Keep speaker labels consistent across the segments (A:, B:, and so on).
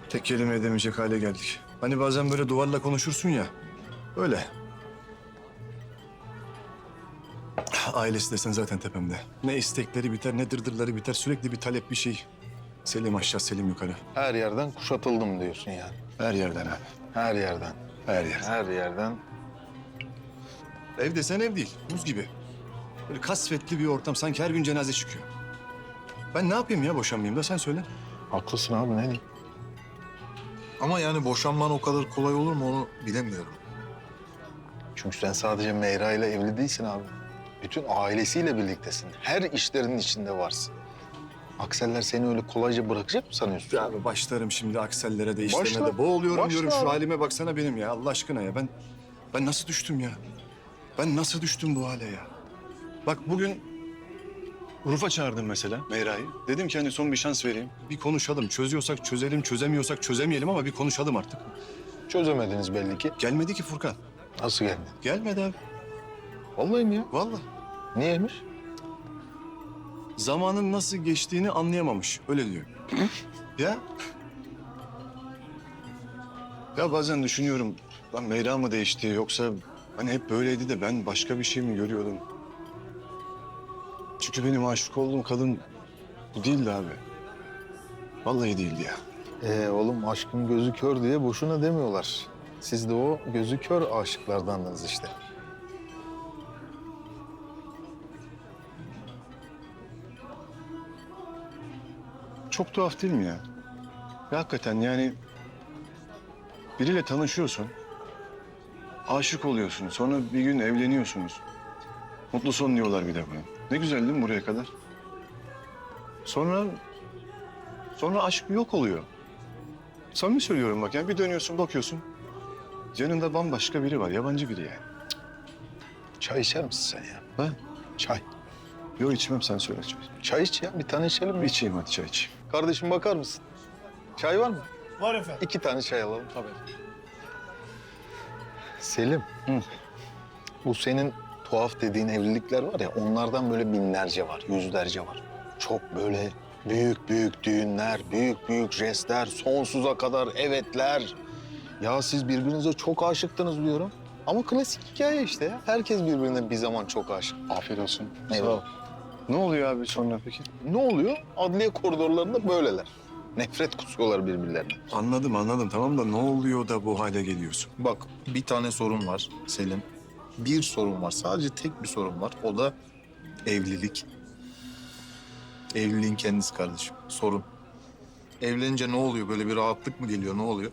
A: Tek kelime edemeyecek hale geldik. Hani bazen böyle duvarla konuşursun ya. Öyle. Ailesi desen zaten tepemde. Ne istekleri biter, ne dırdırları biter. Sürekli bir talep, bir şey. Selim aşağı, Selim yukarı.
B: Her yerden kuşatıldım diyorsun yani.
A: Her yerden abi.
B: Her yerden.
A: Her yer.
B: Her yerden.
A: Ev desen ev değil, buz gibi. Böyle kasvetli bir ortam, sanki her gün cenaze çıkıyor. Ben ne yapayım ya boşanmayayım da sen söyle.
B: Haklısın abi, ne diyeyim? Ama yani boşanman o kadar kolay olur mu onu bilemiyorum. Çünkü sen sadece Meyra ile evli değilsin abi. Bütün ailesiyle birliktesin. Her işlerinin içinde varsın. Akseller seni öyle kolayca bırakacak mı sanıyorsun?
A: Abi başlarım şimdi aksellere de işlerine
B: Başla.
A: de boğuluyorum
B: Başla
A: diyorum.
B: abi.
A: Şu halime baksana benim ya Allah aşkına ya. Ben nasıl düştüm ya? Ben nasıl düştüm bu hale ya? Bak bugün Uruf'a çağırdım mesela Meyra'yı. Dedim ki hani son bir şans vereyim. Bir konuşalım. Çözüyorsak çözelim, çözemiyorsak çözemeyelim ama bir konuşalım artık.
B: Çözemediniz belli ki.
A: Gelmedi ki Furkan.
B: Nasıl geldi?
A: Gelmedi abi.
B: Vallahi mi ya?
A: Vallahi.
B: Niyeymiş?
A: Zamanın nasıl geçtiğini anlayamamış. Öyle diyor. Ya. Ya bazen düşünüyorum. Lan Meyra mı değişti yoksa hani hep böyleydi de ben başka bir şey mi görüyordum? Çünkü benim aşık olduğum kadın bu değildi abi. Vallahi değildi ya.
B: Oğlum aşkın gözü kör diye boşuna demiyorlar. Siz de o gözü kör aşıklardandınız işte.
A: Çok tuhaf değil mi ya? Ya hakikaten yani biriyle tanışıyorsun. Aşık oluyorsun. Sonra bir gün evleniyorsunuz. Mutlu son diyorlar bir de buna. Ne güzel değil mi buraya kadar? Sonra aşk yok oluyor. Samimi söylüyorum bak yani bir dönüyorsun bakıyorsun. Yanında bambaşka biri var, yabancı biri yani.
B: Çay içer misin sen ya?
A: Ha?
B: Çay.
A: Yok içmem sen söyle çay.
B: Çay iç ya. Bir tane içelim mi?
A: İçeyim hadi çay içeyim.
B: Kardeşim bakar mısın? Çay var mı?
C: Var efendim.
B: 2 tane çay alalım. Tabii. Selim.
A: Hı.
B: Bu senin tuhaf dediğin evlilikler var ya, onlardan böyle binlerce var, yüzlerce var. Çok böyle büyük büyük düğünler, büyük büyük jestler, sonsuza kadar evetler. Ya siz birbirinize çok aşıktınız diyorum. Ama klasik hikaye işte ya. Herkes birbirine bir zaman çok aşık.
A: Afiyet olsun.
B: Eyvallah.
A: Ne oluyor abi sonra peki?
B: Ne oluyor? Adliye koridorlarında böyleler. Nefret kusuyorlar birbirlerine.
A: Anladım tamam da ne oluyor da bu hale geliyorsun?
B: Bak, bir tane sorun var Selim. Bir sorun var. Sadece tek bir sorun var. O da evlilik. Evliliğin kendisi kardeşim. Sorun. Evlenince ne oluyor? Böyle bir rahatlık mı geliyor? Ne oluyor?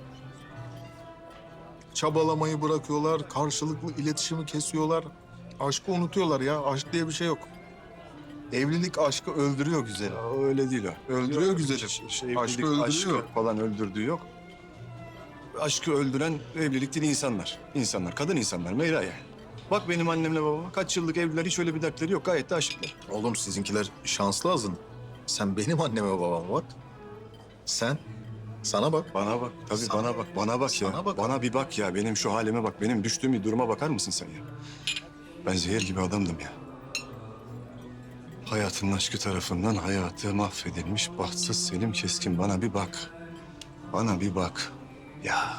B: Çabalamayı bırakıyorlar. Karşılıklı iletişimi kesiyorlar. Aşkı unutuyorlar ya. Aşk diye bir şey yok. Evlilik aşkı öldürüyor güzelim.
A: Ya öyle değil o.
B: Öldürüyor
A: Yok,
B: güzelim.
A: evlilik,
B: Aşkı öldürüyor.
A: aşkı falan öldürdüğü yok. Aşkı öldüren evlilik değil insanlar. İnsanlar, kadın insanlar. Meyra yani. Bak benim annemle babama kaç yıllık evliler hiç öyle bir dertleri yok. Gayet de aşıklar.
B: Oğlum sizinkiler şanslı azın. Sen benim anneme babama bak. Sen sana bak.
A: Bana bak. Tabii
B: Sana-
A: bana bak. Bana bak ya.
B: Sana bak.
A: Bana bir bak ya. Benim şu halime bak. Benim düştüğüm bir duruma bakar mısın sen ya? Ben zehir gibi adamdım ya. Hayatın aşkı tarafından hayatı mahvedilmiş bahtsız Selim Keskin. Bana bir bak. Bana bir bak. Ya.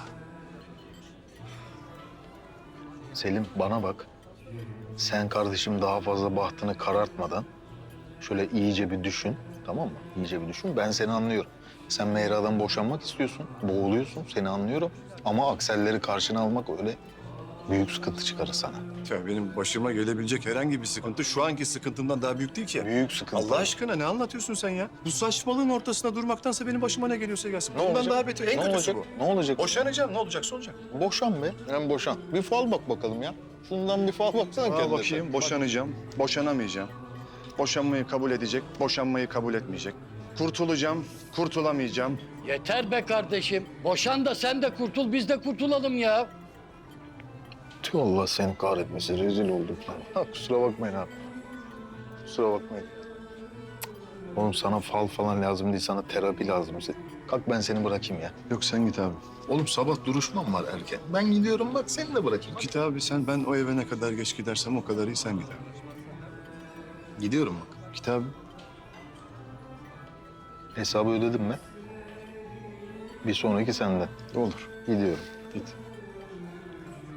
B: Selim bana bak. Sen kardeşim daha fazla bahtını karartmadan şöyle iyice bir düşün. Tamam mı? İyice bir düşün. Ben seni anlıyorum. Sen Meyra'dan boşanmak istiyorsun. Boğuluyorsun. Seni anlıyorum. Ama akselleri karşına almak öyle büyük sıkıntı çıkarır sana.
A: Ya benim başıma gelebilecek herhangi bir sıkıntı şu anki sıkıntımdan daha büyük değil ki.
B: Büyük sıkıntı.
A: Allah aşkına ne anlatıyorsun sen ya? Bu saçmalığın ortasında durmaktansa benim başıma ne geliyorsa gelsin.
B: Ne
A: Bundan
B: olacak?
A: daha beter. En
B: Ne
A: kötüsü
B: olacak?
A: bu.
B: Ne olacak?
A: Boşanacağım. Ne olacaksa olacak.
B: Boşan be. Hem boşan. Bir fal bak bakalım ya. Şundan bir fal baksana
A: Aa,
B: kendine.
A: bakayım. Boşanacağım. Boşanamayacağım. Boşanmayı kabul edecek. Boşanmayı kabul etmeyecek. Kurtulacağım. Kurtulamayacağım.
D: Yeter be kardeşim. Boşan da sen de kurtul, biz de kurtulalım ya.
B: Tüh, Allah seni kahretmesin. Rezil olduk lan. Ha, kusura bakmayın abi. Kusura bakmayın. Oğlum sana fal falan lazım değil, sana terapi lazım. Kalk ben seni bırakayım ya.
A: Yok sen git abi.
B: Oğlum sabah duruşmam var erken. Ben gidiyorum bak, seni de bırakayım.
A: Git abi sen. Ben o eve ne kadar geç gidersem o kadar iyi sen git abi.
B: Gidiyorum bak.
A: Git abi.
B: Hesabı ödedim mi? Bir sonraki sende.
A: Olur.
B: Gidiyorum.
A: Git.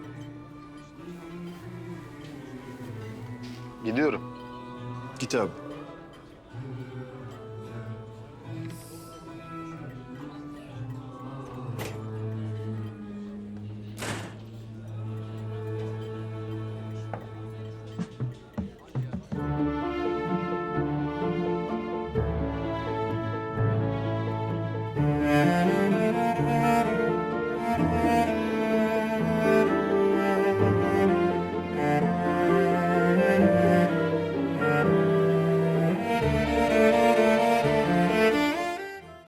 B: Gidiyorum.
A: Git abi.